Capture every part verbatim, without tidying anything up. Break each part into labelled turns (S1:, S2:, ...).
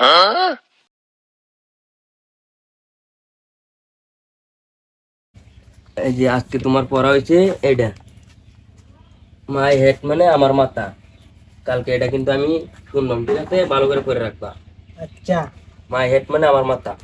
S1: এই যে আজকে তোমার পড়া হয়েছে এটা মাই হেড মানে আমার মাথা। কালকে এটা কিন্তু আমি শুনলাম, ঠিক আছে? ভালো করে পড়ে রাখবা।
S2: আচ্ছা।
S1: মাই হেড মানে আমার মাথা।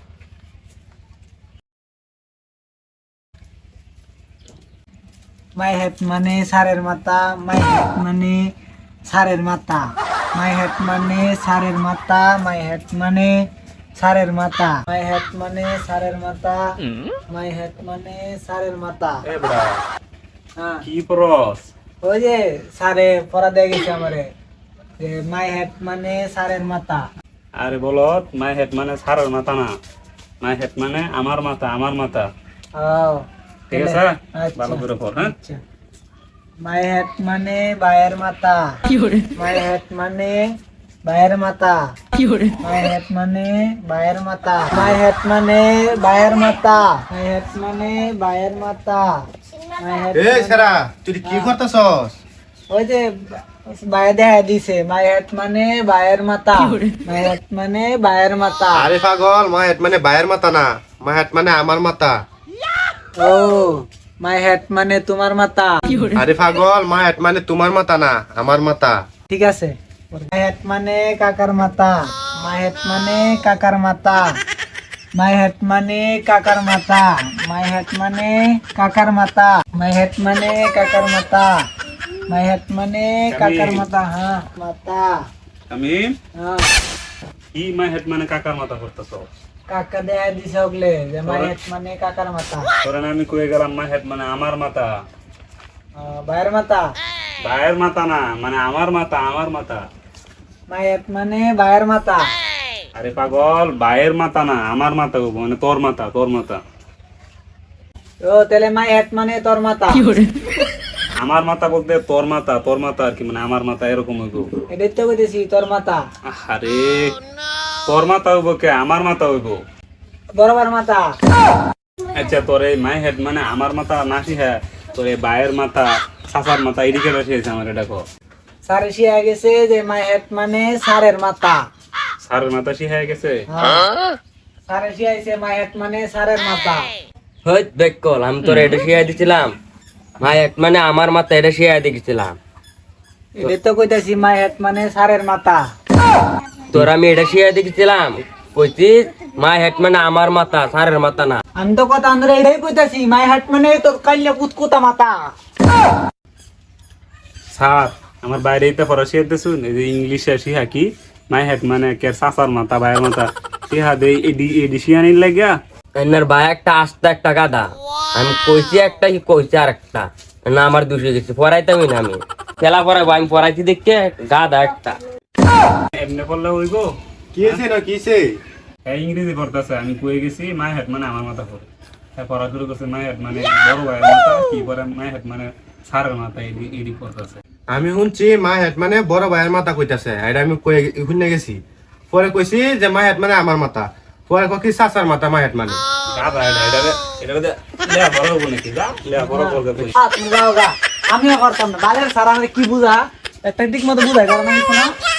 S2: মাই হেড মানে সারের মাথা। মাই হেড মানে সারের মাথা। মাই হেড মানে সারের মাথা। মাই হেড মানে সারের মাথা। মাই হেড মানে সারের মাথা। মাই হেড মানে সারের মাথা।
S3: এ বড়া
S2: হ্যাঁ,
S3: কি পরস?
S2: ওই যে সারে পড়া দিয়ে গেছে আমারে যে মাই হেড মানে সারের মাথা।
S3: আরে বলত মাই হেড মানে সারের মাথা না, মাই হেড মানে আমার মাথা, আমার মাথা।
S2: ও
S3: ঠিক আছে,
S2: আচ্ছা।
S3: ভালো করে পড়। হ্যাঁ,
S2: আচ্ছা। মাই হেড মানে বায়ের মাথা। মাই হেড মানে বায়ের মাথা। মাই হেড মানে বায়ের মাথা। মাই হেড মানে বায়ের মাথা। মাই হেড মানে বায়ের মাথা। মাই হেড
S4: এ সেরা তুই কি করতেছস?
S2: ওই যে বায়ে দেখা দিছে মাই হেড মানে বায়ের মাথা। মাই হেড মানে বায়ের মাথা।
S4: আরে পাগল, মা হেড মানে বায়ের মাথা না, মা হেড মানে আমার মাথা।
S2: ও মাই হেড মানে তোমার মাথা।
S4: আরে পাগল, মা হেড মানে তোমার মাথা না, আমার মাথা।
S2: ঠিক আছে। মাই হেড মানে কাকার মাথা। মাই হেড মানে কাকার মাথা। মাই হেড মানে কাকার মাথা। মাই হেড মানে কাকার মাথা। মাই হেড মানে কাকার মাথা। মাই হেড মানে কাকার মাথা। হ্যাঁ মাথা।
S3: আমি
S2: হ্যাঁ
S3: কি মাই হেড মানে কাকার মাথা করতেছ?
S2: কাকা দেয়া দিছে ওগলে যে মাই হেড মানে কাকার মাথা।
S3: তোরা না আমি কয়ে গেলাম মাই হেড মানে আমার মাথা।
S2: আহ, ভাইয়ের মাথা।
S3: ভাইয়ের মাথা না, মানে আমার মাথা, আমার মাথা।
S2: মাই হেড মানে ভাইয়ের মাথা।
S3: আরে পাগল, ভাইয়ের মাথা না, আমার মাথা হবো, মানে তোর মাথা, তোর মাথা।
S2: ও তাহলে মাই হেড মানে তোর মাথা।
S3: আমার মাথা বলতে তোর মাথা, তোর মাথা আর কি, মানে আমার মাথা এরকম হইব।
S2: এটাই তো কইতেছি তোর মাথা।
S3: আরে তোর মাথা হইব কে, আমার মাথা হইব।
S2: বরাবর মাথা।
S3: আচ্ছা, তোর এই মাই হেড মানে আমার মাথা নাসি, হ্যাঁ তোর এই ভাইয়ের মাথা, সাসার মাথা, এদিকে বসিয়েছে আমার, এটা কো।
S2: সারে শিয়া গেছে যে মাই হেড মানে সারের মাথা।
S3: সারের মাথা শিখাই গেছে।
S2: হ্যাঁ। সারে শিয়াইছে মাই হেড মানে সারের মাথা।
S1: হই বেকল, আমি তোর এটা শিয়াই দিছিলাম। মাই হেড মানে আমার মাথা, এটা শিয়াই দিছিলাম।
S2: এটাই তো কইতাছি মাই হেড মানে সারের মাথা।
S1: তোর আমি এটা শিয়াই দিছিলাম, কইছি মাই হেড মানে আমার মাথা, সারের মাথা না।
S2: আমি তো কথা আমরা এটাই কইতাছি মাই হেড মানে তোর কাইলে কুতকুতা মাথা।
S3: স্যার আমার বাইরে তো ফরাসি শুন, এই যে ইংলিশে শিখা কি মাই হেড মানে কে সাসার মাথা, ভাইয়ের মাথা শিখা দে, এডি এডি শিয়ানির লাগিয়া।
S1: এনার ভাই একটা আস্তে একটা গাদা। আমি কইছি একটা, কি কইছি আর একটা না, আমার দুশো গেছে পড়াইতামই না। আমি খেলা পড়াবো, আমি পড়াইছি দেখে গাদা একটা।
S3: এমনি করলে হইব?
S4: কি হয়েছে না কিছে?
S3: হ্যাঁ ইংরেজি পড়তেছে, আমি কয়ে গেছি মাই হেড মানে আমার মাথা পড়ে। হ্যাঁ পড়া শুরু করছে মাই হেড মানে বড় ভাইয়ের মাথা, কি পরে মাই হেড মানে সারের মাথা, এডি এডি পড়তেছে।
S4: আমি শুনছি মা হেড মানে বড় ভাইয়ের মাথা কইতাছে, এটা আমি কই শুনে গেছি। পরে কইছি যে মা হেড মানে আমার মাথা, পরে কই সাসার মাথা মা হেড মানে।
S3: গাদা এটা, এটা এটা এটা লেয়া বড় হবো নাকি? যা লেয়া বড় করবে তুই।
S2: আ, তুমি যাও গা। আমিও করতাম না বালের সারা কি বুঝা একটা ঠিক মতো বুঝাই কারণ আমি শোনা